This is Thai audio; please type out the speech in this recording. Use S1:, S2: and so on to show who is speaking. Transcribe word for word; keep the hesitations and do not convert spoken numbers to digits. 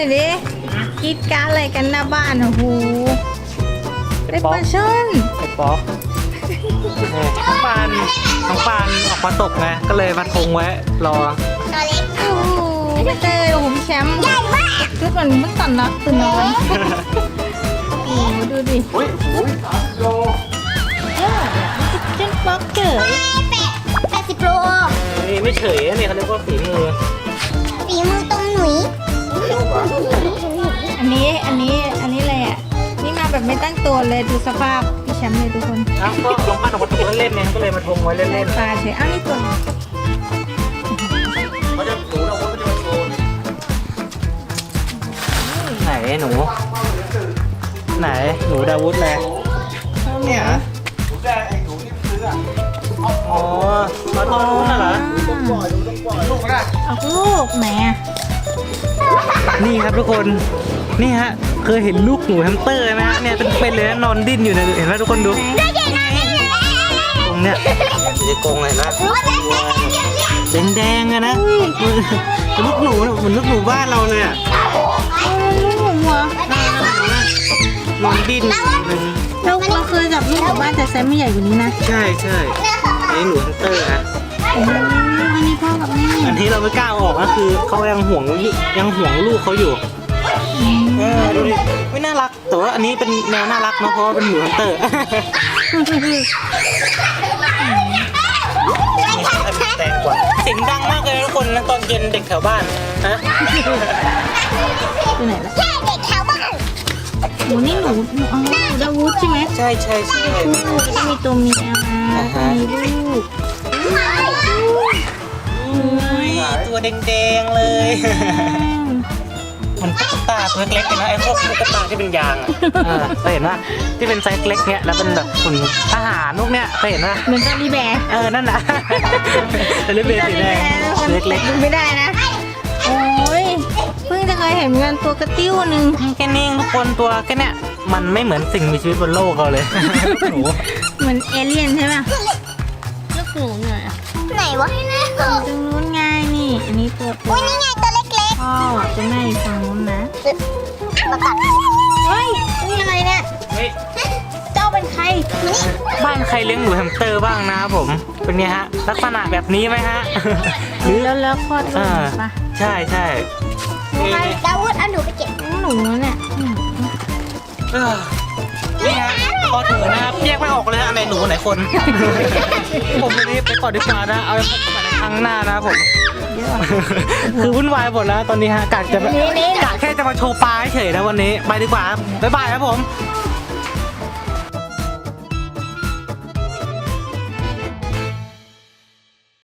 S1: อยดิคิดการอะไรกันหน้าบ้านโอ้โหเป็นปลาช่อน
S2: ไอ้ป๊อกน้องปานน้องปานออกมาตกไงก็เลยมาทงไว้รอ
S3: ตัวเล็ก
S1: โอ้โหไม่เจอโอ้โหแชมป์
S3: ใหญ่มาก
S1: ชุดมันมันตันนะตื่นนอนโอ้โหดูดิ
S2: อุ้ยอุ้ยสามโล
S1: เออเจ้าป๊อกเจอ
S3: แปดแปดสิบโล
S2: นี่ไม่เฉยนะนี่เขาเรียกว่าฝีมือ
S3: ฝีมือตรงหนุ่ย
S1: อันนี้อันนี้อันนี้อะไรอ่ะนี่มาแบบไม่ตั้งตัวเลยดูสภาพพี่แชมป์เลยทุกคน
S2: อ้าวก็น้องปานออกมาตกเล่นๆเนี่ยก็เลยมาทงไว้เล่น
S1: ปลาเฉยอ้าวนี่ตัว
S2: ๆเขาจะหนูเราก็จะมาโชว์ไหนหนูไหนหนูดาวุธเลยเนี่ย อ๋อมาทอดลูกน่ะเหรอ
S1: ลูกก็ได้เอาลูกแหม
S2: นี่ครับทุกคน นี่ฮะ เคยเห็นลูกหนูแฮมสเตอร์ไหมฮะ เนี่ยเป็นเลยนะนอนดิ้นอยู่เนี่ยเห็นไหมทุกคนดู ตรงเนี้ยอยู่ในกรงเลยนะแดงๆอะนะลูกหนูเหมือนลูกหนูบ้านเราเลยอะ
S1: เอาลูกหมูเหรอน
S2: อนดิ้นหนึ่ง
S1: เราเราเคยจับลูกกับบ้านแต่ไซส์ไม่ใหญ่กว่านี้นะ
S2: ใช่ใช่อันนี้หนูแฮมสเตอร์นะ
S1: โอ้โหอันนี้พ่อกับแม่
S2: อันที่เราไม่กล้าเอาออกก็คือเขายังห่วงยังห่วงลูกเขาอยู่ เออดูดิไม่น่ารักแต่ว่าอันนี้เป็นแนวน่ารักเนาะเพราะว่าเป็นหมูฮันเตอร์แตงกว่าเสียงดังมากเลยทุกคนนะตอนเย็นเด็กแถวบ้านฮะ
S1: ตัวไหนล่ะ
S3: แค่เด็กแถวบ้าน
S1: หมูนี่หนูหนูอ๋อหนูดาวุธใช่ไหม
S2: ใช่ใช่ใช่
S1: ลูกจะมีตัวเมียมามีลูก
S2: ตัวแดงๆเลยมันตุ๊กตาตัวเล็กๆเลยนะไอ้พวกตุ๊กตาที่เป็นยางอ่ะเคยเห็นป่ะที่เป็นไซส์เล็กเนี้ยแล้วเป็นแบบหุ่นทหารพวกเนี้ยเคยเห็นป่ะ
S1: เหมือนจารีแบร์
S2: เออนั่นนะแต่เล็กๆสีแดงเล็กๆ
S1: ดูไม่ได้นะ โอ้ยเพิ่งจะเคยเห็นเหมือนกันตัวกระติ้วหนึ่ง
S2: แค่นี้ทุกคนตัวแค่เนี้ยมันไม่เหมือนสิ่งมีชีวิตบนโลกเราเลย หนู
S1: เหมือนเอเลี่ยนใช่ไหมลูกหนูหน่อยอ่ะ
S3: ไหนวะ
S1: ตรงนู้นไงนี่ อันนี้ตัวตั
S3: อุ้
S1: วย
S3: นี่ไงตัวเล็ก
S1: พ่อจะแม่อยู่ฝั่งนู้นนะ
S3: ๆมากัด
S1: เฮ้ยนี่อะไรเนี่ย
S2: เฮ้ย
S1: เจ้าเป็นใคร
S2: บ้านใครเลี้ยงหนูแฮมสเตอร์บ้างนะครับผมเป็นไงฮะลักษณะแบบนี้ไหมฮะ หรือ
S1: แล้วแล้วคลอดลู
S2: อ่าก
S1: ปะ
S2: ใช่ใช่
S3: ดาวุธเอาหนูไปเก็บ
S1: หนูเนี่ยอืม
S2: เออนี่ฮะพอถึงนะครับแยกไม่ออกเลยฮะอันไหนหนูอันไหนคน ผมวันนี้ไปก่อนดีกว่านะเอาไว้พบกันในครั้งหน้านะครับผม
S1: เยอะ
S2: คือวุ่นวายหมดแล้วตอนนี้ฮะกะจะ
S1: นี่นี่
S2: กะแค่จะมาโชว์ปลาเฉยๆนะวันนี้ไปดีกว่าครับบ๊ายบายครับผม
S1: บ